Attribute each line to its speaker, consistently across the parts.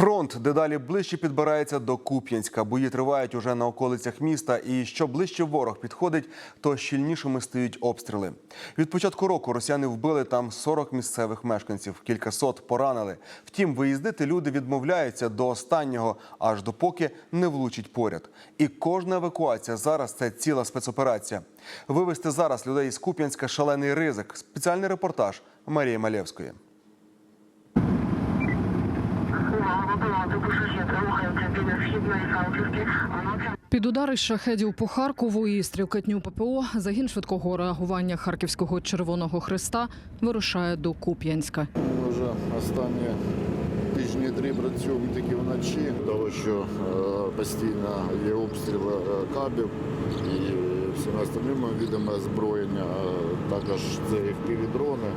Speaker 1: Фронт дедалі ближче підбирається до Куп'янська. Бої тривають уже на околицях міста. І що ближче ворог підходить, то щільнішими стають обстріли. Від початку року росіяни вбили там 40 місцевих мешканців, кількасот поранили. Втім, виїздити люди відмовляються до останнього, аж допоки не влучить поряд. І кожна евакуація зараз – це ціла спецоперація. Вивезти зараз людей із Куп'янська – шалений ризик. Спеціальний репортаж Марії Малєвської.
Speaker 2: Під удари шахедів по Харкову і стрілкатню ППО загін швидкого реагування Харківського Червоного Хреста вирушає до Куп'янська.
Speaker 3: Ми вже останні тижні 3 працюємо тільки вночі, тому що постійно є обстріли кабів і всіма остальними видами озброєння, також це FPV-дрони.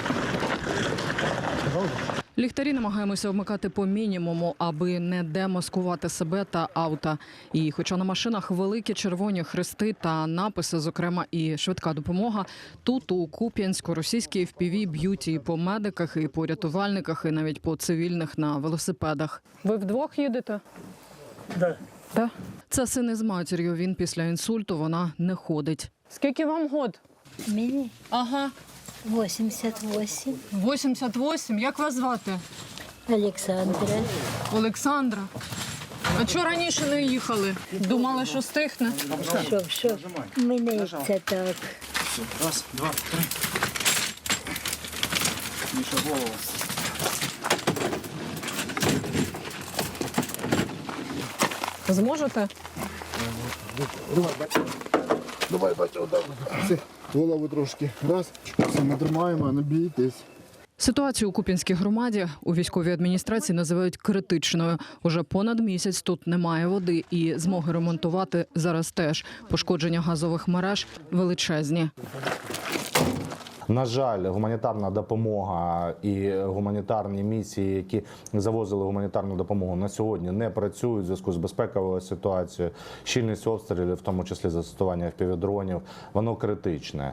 Speaker 2: Ліхтарі намагаємося вмикати по мінімуму, аби не демаскувати себе та авто. І хоча на машинах великі червоні хрести та написи, зокрема і швидка допомога, тут у Куп'янську російські FPV б'ють і по медиках, і по рятувальниках, і навіть по цивільних на велосипедах. Ви вдвох їдете? Так. Це син із матір'ю. Він після інсульту, вона не ходить. Скільки вам год?
Speaker 4: Мені
Speaker 2: Ага.
Speaker 4: 88.
Speaker 2: 88. Як вас звати?
Speaker 4: Олександра.
Speaker 2: Олександра. А чого раніше не їхали? Думали, що стихне?
Speaker 4: Що? Мене це так.
Speaker 5: Раз, два, три. Міша, голову.
Speaker 2: Зможете?
Speaker 3: Давай, бачу, голову трошки. Раз, все, ми тримаємо, не бійтесь.
Speaker 2: Ситуацію у Куп'янській громаді у військовій адміністрації називають критичною. Уже понад місяць тут немає води і змоги ремонтувати зараз теж. Пошкодження газових мереж величезні.
Speaker 6: На жаль, гуманітарна допомога і гуманітарні місії, які завозили гуманітарну допомогу, на сьогодні не працюють у зв'язку з безпековою ситуацією. Щільність обстрілів, в тому числі застосування FPV-дронів, воно критичне.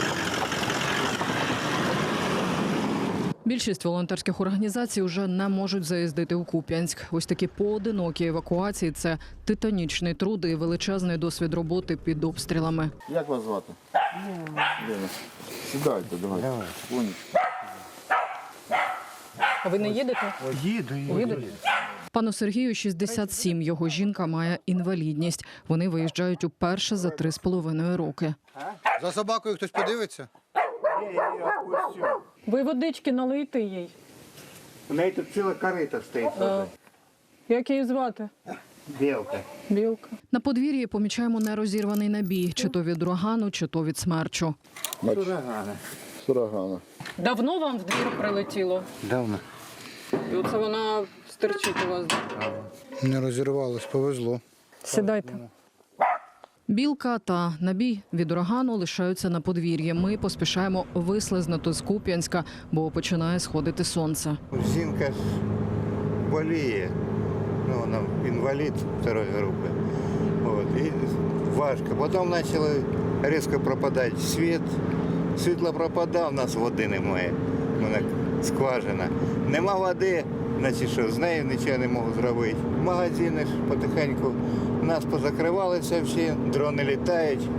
Speaker 2: Більшість волонтерських організацій вже не можуть заїздити у Куп'янськ. Ось такі поодинокі евакуації – це титанічний труд і величезний досвід роботи під обстрілами.
Speaker 3: Як вас звати? Лена. Сідайте, давай.
Speaker 2: А ви не їдете?
Speaker 5: Їду.
Speaker 2: Пану Сергію 67, його жінка має інвалідність. Вони виїжджають уперше за 3,5 роки.
Speaker 7: За собакою хтось подивиться?
Speaker 2: Ви водички налийте їй.
Speaker 8: У неї тут ціла корита стоїть.
Speaker 2: Як її звати?
Speaker 8: Білка.
Speaker 2: Білка. На подвір'ї помічаємо нерозірваний набій. Чи то від урагану, чи то від смерчу.
Speaker 3: Сурагана.
Speaker 2: Давно вам в двір прилетіло?
Speaker 8: Давно.
Speaker 2: І оце вона стерчить у вас.
Speaker 7: Не розірвалось, повезло.
Speaker 2: Сідайте. Білка та набій від урагану лишаються на подвір'ї. Ми поспішаємо вислизнути з Куп'янська, бо починає сходити сонце.
Speaker 8: Жінка ж боліє. Ну, вона інвалід второї групи. От. І важко. Потім почали різко пропадати світ. Світло пропадає, у нас води немає. Вона скважина. Нема води, значить що, з нею нічого не можу зробити. Магазини ж потихеньку нас позакривалися всі, дрони літають.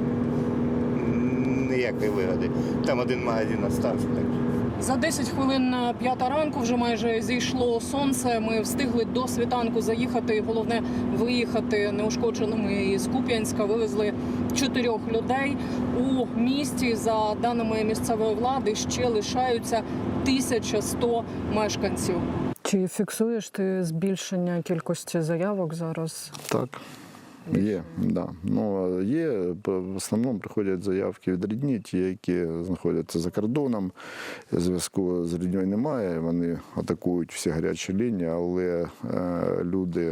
Speaker 8: Ніякої вигоди. Там один магазин залишився.
Speaker 2: За 10 хвилин на 5 ранку вже майже зійшло сонце. Ми встигли до світанку заїхати. Головне – виїхати неушкодженими із Куп'янська. Вивезли 4 людей. У місті, за даними місцевої влади, ще лишаються 1100 мешканців. Чи фіксуєш ти збільшення кількості заявок зараз?
Speaker 3: Так. Є, да. Ну, є, в основному приходять заявки від рідні, ті, які знаходяться за кордоном. Зв'язку з рідньою немає, вони атакують всі гарячі лінії, але люди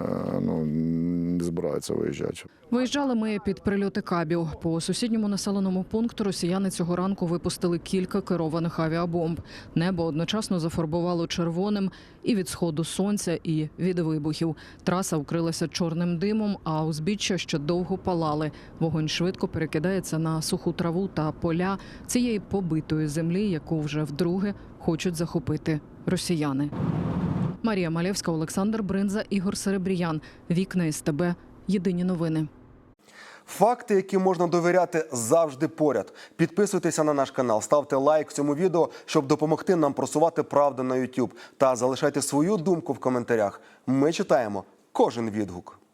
Speaker 3: не збираються виїжджати.
Speaker 2: Виїжджали ми під прильоти кабів. По сусідньому населеному пункту росіяни цього ранку випустили кілька керованих авіабомб. Небо одночасно зафарбувало червоним і від сходу сонця, і від вибухів. Траса вкрилася чорним димом, а узбіччя ще довго палали. Вогонь швидко перекидається на суху траву та поля цієї побитої землі, яку вже вдруге хочуть захопити росіяни. Марія Малєвська, Олександр Бринза, Ігор Серебріян. Вікна СТБ. Єдині новини.
Speaker 1: Факти, які можна довіряти, завжди поряд. Підписуйтеся на наш канал, ставте лайк цьому відео, щоб допомогти нам просувати правду на YouTube. Та залишайте свою думку в коментарях. Ми читаємо кожен відгук.